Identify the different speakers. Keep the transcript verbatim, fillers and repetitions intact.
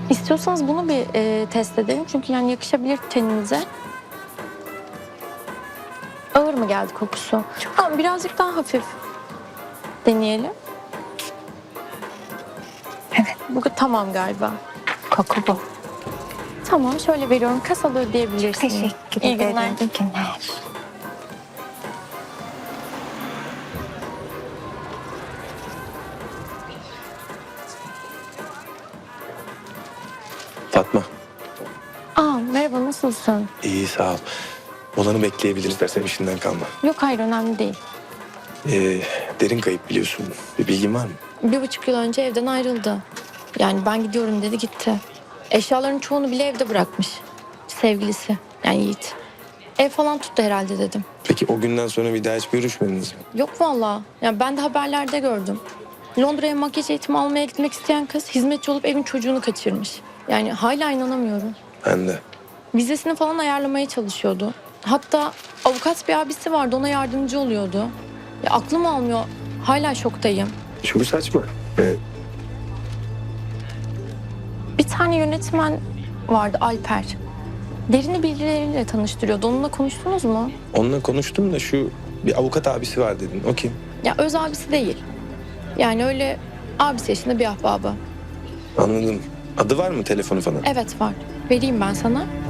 Speaker 1: İstiyorsanız bunu bir e, test edelim. Çünkü yani yakışabilir teninize. Ağır mı geldi kokusu? Tamam, birazcık daha hafif deneyelim.
Speaker 2: Evet.
Speaker 1: Bu tamam galiba.
Speaker 2: Koku bu.
Speaker 1: Tamam, şöyle veriyorum. Kasada ödeyebilirsiniz.
Speaker 2: Teşekkür
Speaker 1: İyi
Speaker 2: ederim.
Speaker 1: günler.
Speaker 2: İyi günler.
Speaker 3: Fatma.
Speaker 1: Aa, merhaba, nasılsın?
Speaker 3: İyi sağ ol. Olanı bekleyebiliriz istersen işinden kalma.
Speaker 1: Yok, hayır, önemli değil.
Speaker 3: Ee, derin kayıp biliyorsun. Bir bilgin var mı?
Speaker 1: Bir buçuk yıl önce evden ayrıldı. Yani ben gidiyorum dedi, gitti. Eşyaların çoğunu bile evde bırakmış. Sevgilisi, yani Yiğit. Ev falan tuttu herhalde dedim.
Speaker 3: Peki o günden sonra bir daha hiç görüşmediniz mi?
Speaker 1: Yok vallahi. Yani ben de haberlerde gördüm. Londra'ya makyaj eğitimi almaya gitmek isteyen kız hizmetçi olup evin çocuğunu kaçırmış. Yani hala inanamıyorum.
Speaker 3: Ben de.
Speaker 1: Vizesini falan ayarlamaya çalışıyordu. Hatta avukat bir abisi vardı, ona yardımcı oluyordu. Ya aklım almıyor. Hala şoktayım.
Speaker 3: Çok saçma. Ee,
Speaker 1: Bir tane yönetmen vardı, Alper. Derini birileriyle tanıştırıyordu. Onunla konuştunuz mu?
Speaker 3: onunla konuştum da şu bir avukat abisi var dedin. O kim?
Speaker 1: Ya öz abisi değil. Yani öyle abisi yaşında bir ahbabı.
Speaker 3: Anladım. Adı var mı, telefonu falan?
Speaker 1: Evet var. Vereyim ben sana.